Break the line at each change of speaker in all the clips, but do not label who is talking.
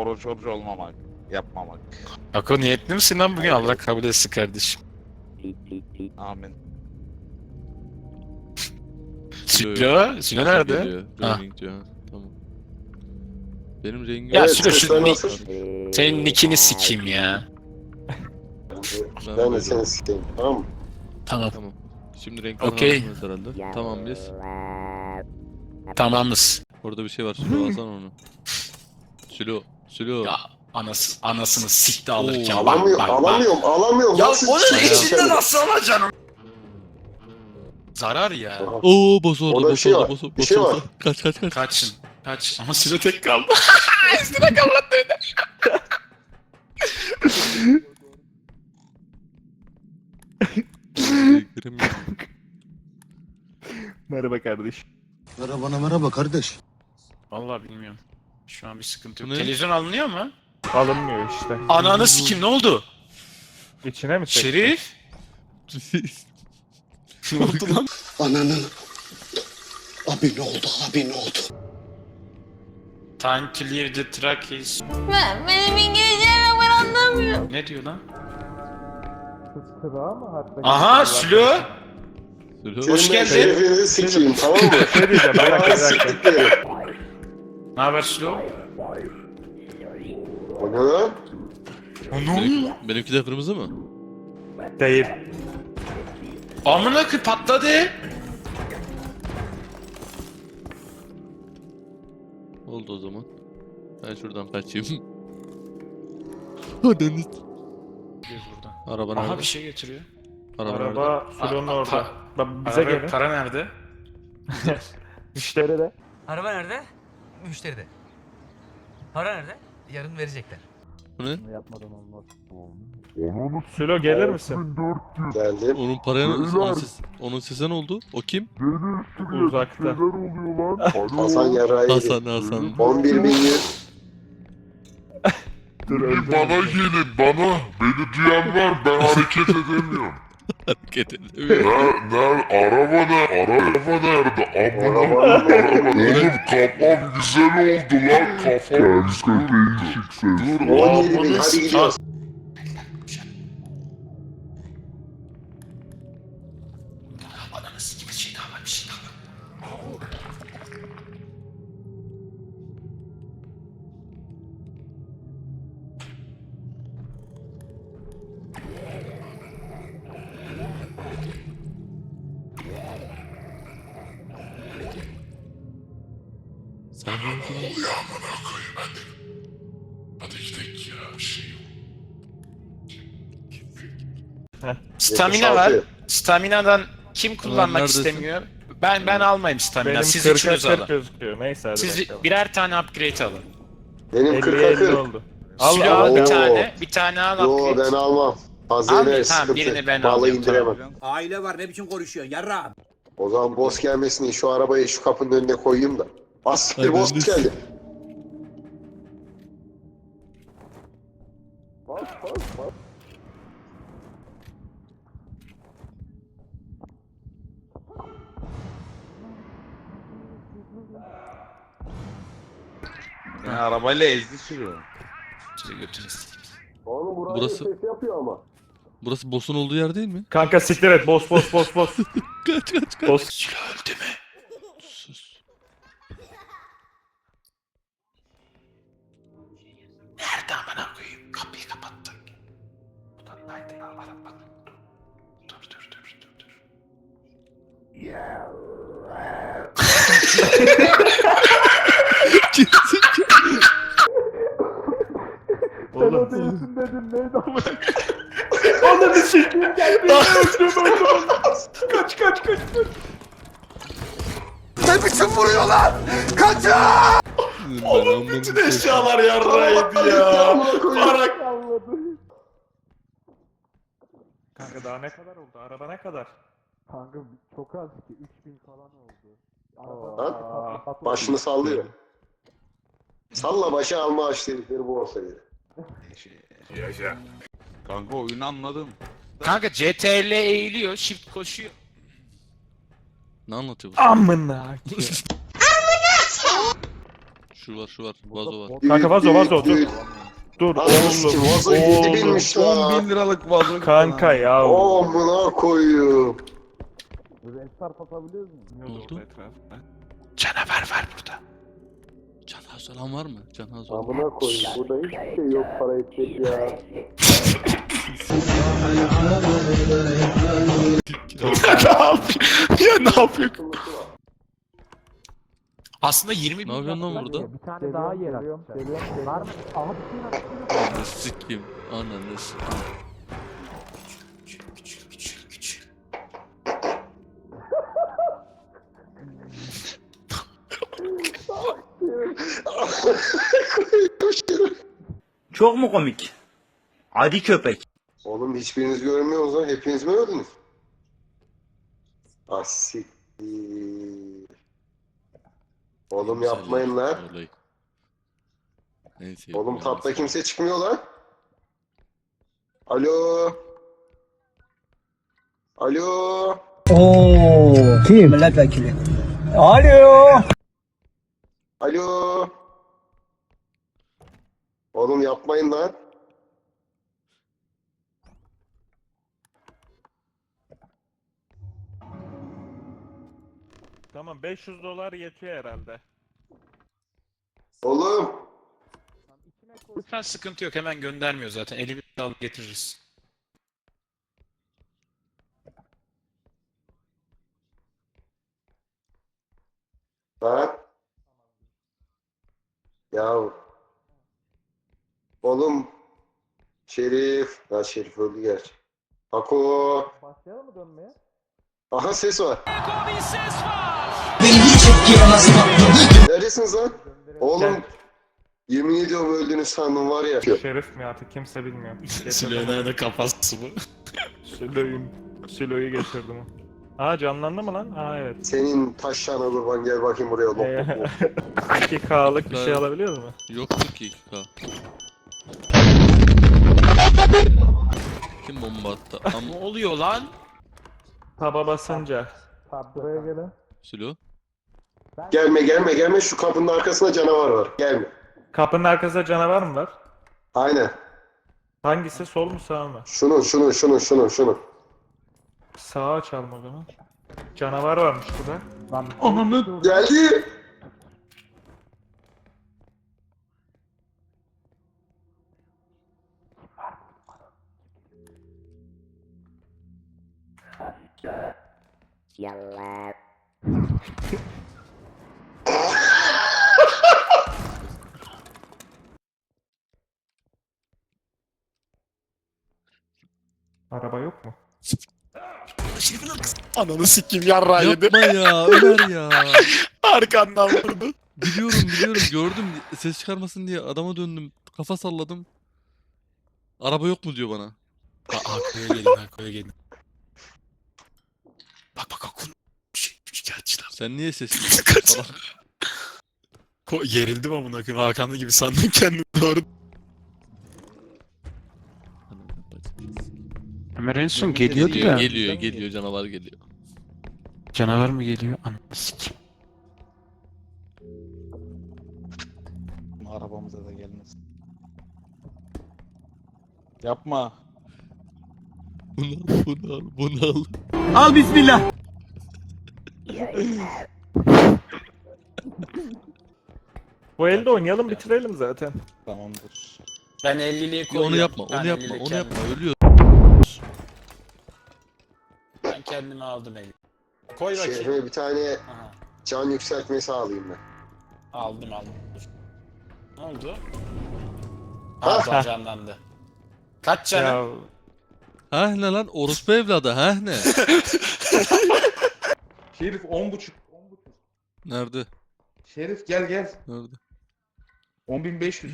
oruç olmamak, yapmamak.
Ako niyetli misin lan bugün? Allah kabul etsin kardeşim.
Amin.
Sülo nerede?
Geliyor.
Ha.
Gaming diyor. Tamam. Benim rengim...
Ya
Evet,
Sülo
sesler
şu
nasıl?
senin nickini sikeyim ya.
Ben de seni sikeyim, tamam mı?
Tamam.
Tamam. Şimdi renk
Okey.
anlamamız herhalde. Tamam biz.
Tamamız.
Orada bir şey var. Sülo alsana onu. Sülo.
Ya anasını sikti alırken.
Oo,
Alamıyorum.
Ya
Nasıl
onun
sikeyim
içinde
seni?
nasıl alacaksın? Zarar ya.
Aha.
Oo boss oldu.
Orada bir
Boss
şey
oldu.
var,
Boss
bir şey var.
Kaç.
Kaç. Ama Sülo tek kaldı. Üstüne kallattı öyle.
Renklerim yok.
Merhaba kardeş.
Merhaba kardeş.
Vallahi bilmiyorum. Şu an bir sıkıntı
Bu
yok.
ne?
Televizyon alınıyor mu?
Alınmıyor işte.
Ananı sikim ne oldu?
İçine mi çektin?
Şerif? Ne oldu lan?
Ananın. Abi ne oldu?
Time to leave the track is...
Benim İngilizcem yok, ben anlamıyorum.
Ne diyor lan?
Sıra mı hatta?
Aha Sülo!
Sülo.
Hoş
Senin ben
geldin.
şerefinizi sikeyim, tamam mı?
Şey diyeceğim, bir dakika,
Bana
bir dakika.
siktikleri.
Ne haber Sülo?
O ne lan?
Benimki de kırmızı mı?
Değil.
Amına koyayım patladı.
Oldu o zaman. Ben şuradan kaçayım. Hadi.
Biz burada.
Araba
Aha
nerede?
bir şey getiriyor.
Araba nerede?
Araba Sulo'nun
Aa,
orada. Bak bize
Araba,
gelin.
para nerede?
Müşteri de.
Araba nerede? Müşteride. Para nerede? Yarın verecekler.
Bu ne?
Yapmadan olmaz. Sulo gelir misin?
Geldim.
Onun paraya onun sese ne oldu? O kim?
Uzakta.
Hasan yarrağı yedi.
Hasan.
11.100.
Bana gelin bana. Beni duyan var, ben hareket edemiyorum.
Hareket edemiyor.
Araba nerede? Amına
Arabanın
oğlum kafam güzel oldu lan. Kafam güzel oldu. Dur
17.000, hadi gidiyoruz.
Ananı sikim bir şey daha var bir şey daha var.
Sen ne oldu?
Hadi gidelim ya bir şey yok.
Stamina var.
76.
Staminadan kim kullanmak
neredesin?
istemiyor? Ben almayayım stamina.
Benim
Siz
40'a
üçünüz
40
alın.
gözüküyor. Neyse hadi
Siz
bakalım.
birer tane upgrade alın.
Benim
50
40'a
50
40.
oldu. Al
Sülo
al.
al bir
Oo.
tane. Bir tane al
Yo
upgrade.
ben almam. Fazla
Al,
iner
tamam,
sıkıntı.
birini ben
Vallahi
alayım,
indiremem.
Aile var, ne biçim konuşuyorsun yarrağım?
O zaman boss gelmesin diye şu arabayı şu kapının önüne koyayım da. Az siktir
Ay,
boss
ben de-
geldi.
Yani arabayla ezdi sürüyor.
Size götünü sikeyim.
Oğlum burası
Burası-
ses yapıyor ama.
Burası boss'un olduğu yer değil mi?
Kanka siktir et. Boss.
Kaç.
Boss.
Sülo öldü mü?
Sus.
Nerede amına koyayım? Kapıyı kapattık. Buradaydı ya. Bak. Dur.
Oğlum. Sen o değilsin dedin. Neydi ama? Ananı sikeyim gel. Öldüm. Kaç.
Ne biçim vuruyor lan? Kaçın!
Oğlum bütün
Eşyalar yarrağıydı ya. Para
Kanka daha ne kadar oldu? Araba ne kadar? Kanka çok az ki 3000 falan oldu. Araba
Başını sallıyor. Salla başa alma aç dedikleri bu olsaydı.
Kanka oyunu anladım.
Kanka CTRL eğiliyor, shift koşuyor.
Ne anlatıyor bu?
Amına.
Şu var. Vazo var.
Kanka vazo dur. Dur
Ananı sikeyim,
oğlum.
vazo 7.000'miş
10
lan.
bin liralık vazo.
Kanka ya.
Amına koyayım.
Ne oldu?
Canavar var burada.
Canaz olan var mı? Canaz olan.
Amına koyayım. Burada hiçbir şey yok para etmek ya.
Ya ne yapıyor? Aslında 20
Ne yapıyorsun lan burada?
Bir tane daha yer atacağım. Var mı? Aha bir şey
Ananı sikeyim. Ananı sikeyim.
Çok mu komik? Adi köpek.
Oğlum hiçbiriniz görmüyorsunuz lan. Hepiniz mi öldünüz? Asiktir. Oğlum yapmayın lan.
Olay. Neyse.
Oğlum tapta kimse çıkmıyor lan. Alo. Alo.
Kim? Milletvekili. Alo.
Alo. Oğlum yapmayın lan.
Tamam $500 yetiyor herhalde.
Oğlum.
Lütfen sıkıntı yok, hemen göndermiyor zaten. Elimizde alıp getiririz.
Lan. Ya. Oğlum. Şerif. Ha Şerif öldü gerçi. Hako.
Başlayalım mı dönmeye?
Aha ses var. Neredesiniz lan? Oğlum. Yemin ediyorum öldüğünü sandım var ya.
Şerif mi artık kimse bilmiyor.
Süleyman'a kafası bu.
Sülo'yu getirdim. Aa canlandı mı lan? Aa evet.
Senin taşlarına kurban gel bakayım buraya. Lop lop lop.
2K'lık bir şey alabiliyor mu?
Yoktu ki 2K. Kim bomba attı?
Ne oluyor lan?
Taba basınca. Buraya gelin.
Sülo.
Gelme şu kapının arkasında canavar var. Gelme.
Kapının arkasında canavar mı var?
Aynen.
Hangisi? Sol mu sağ mı?
Şunu.
Sağa açalım o zaman. Canavar varmış burada.
Ananı.
Geldi.
Araba yok mu?
Ananı sikeyim, yarrağı yedi.
Yapma ya Ömer ya.
Arkandan vurdu.
Biliyorum gördüm. Ses çıkarmasın diye adama döndüm. Kafa salladım. Araba yok mu diyor bana.
Arkaya gelin. Bak şikayetçiler.
Sen niye ses
Kaç.
salak?
Gerildim amına koyayım, Hakanlı gibi sandım kendimi doğru. Ömer en son geliyordu ya.
Geliyor canavar geliyor.
Canavar mı geliyor? Ananı sikeyim.
Arabamıza da gelmesin. Yapma.
Bunu al.
Al bismillah.
Bu elde oynayalım bitirelim zaten.
Tamamdır.
Ben 50'liği koyuyorum.
Onu yapma
Ben 50'liği
onu yapma ölüyor.
Ben kendimi aldım 50. Koy bakayım.
Şerif'e bir tane
Aha,
can yükseltmesi alayım ben.
aldım. Dur. Ne oldu?
Ha?
Ha, canlandı. Kaç canım?
Ya
Ha ne lan orospu evladı ha ne?
Şerif 10.5.
Nerede?
Şerif gel.
Nerede?
10.500.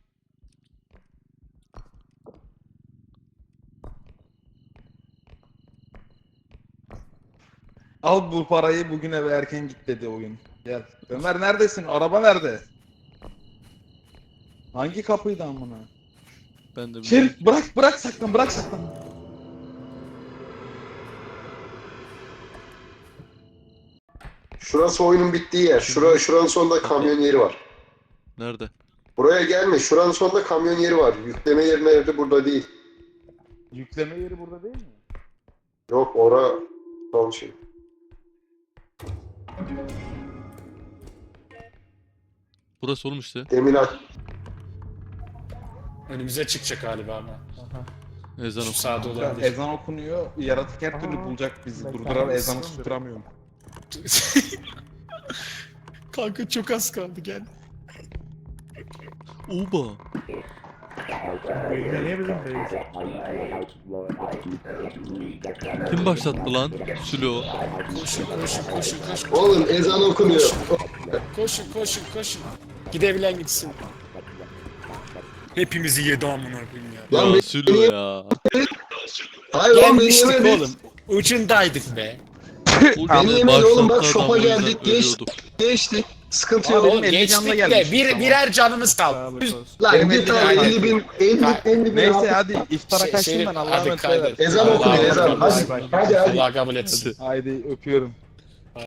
Al bu parayı, bugün eve erken git dedi oyun. Gel. Ömer neredesin? Araba nerede? Hangi kapıydı amına?
Ben de
Şerif bırak saklan.
Şurası oyunun bittiği yer. Şuranın sonunda kamyon yeri var.
Nerede?
Buraya gelme. Şuranın sonunda kamyon yeri var. Yükleme yeri nerede? Burada değil.
Yükleme yeri burada değil mi?
Yok ora son şey.
Burası oğlum işte.
Demin aç.
Önümüze çıkacak galiba ama.
Ezan
Şu
oku.
sağda olabilir.
Ezan okunuyor. Yaratık her türlü bulacak bizi. Durduram ezanı susturamıyorum.
Kanka çok az kaldı gel.
Oba.
Niye bizim değil?
Kim başlattı lan? Sülo.
Koşun.
Oğlum ezan okunuyor.
Koşun. Gidebilen gitsin. Hepimizi yedi amına koyayım ya.
Lan
Ya Sülo ya.
Hayır lan beni
Gelmiştik
yemedi.
oğlum. Ucundaydık be.
O
Beni
gene
yemedi oğlum, bak
başlattı
şopa
adam, o yüzden
geldik, geç.
ölüyordu.
Geçti. Sıkıntı
Oğlum
yok.
geçtik de
gelmiştik,
birer canımız kaldı.
Lan git abi 50 bin. 50 bin.
Neyse hadi iftara kaçtım
Şerif,
ben Allah'a
hadi
emanet
kaydet.
ederim.
Ezan
Allah
okunuyor ezan.
kabul etsin.
Hadi hadi.
Allah kabul etsin.
Haydi öpüyorum.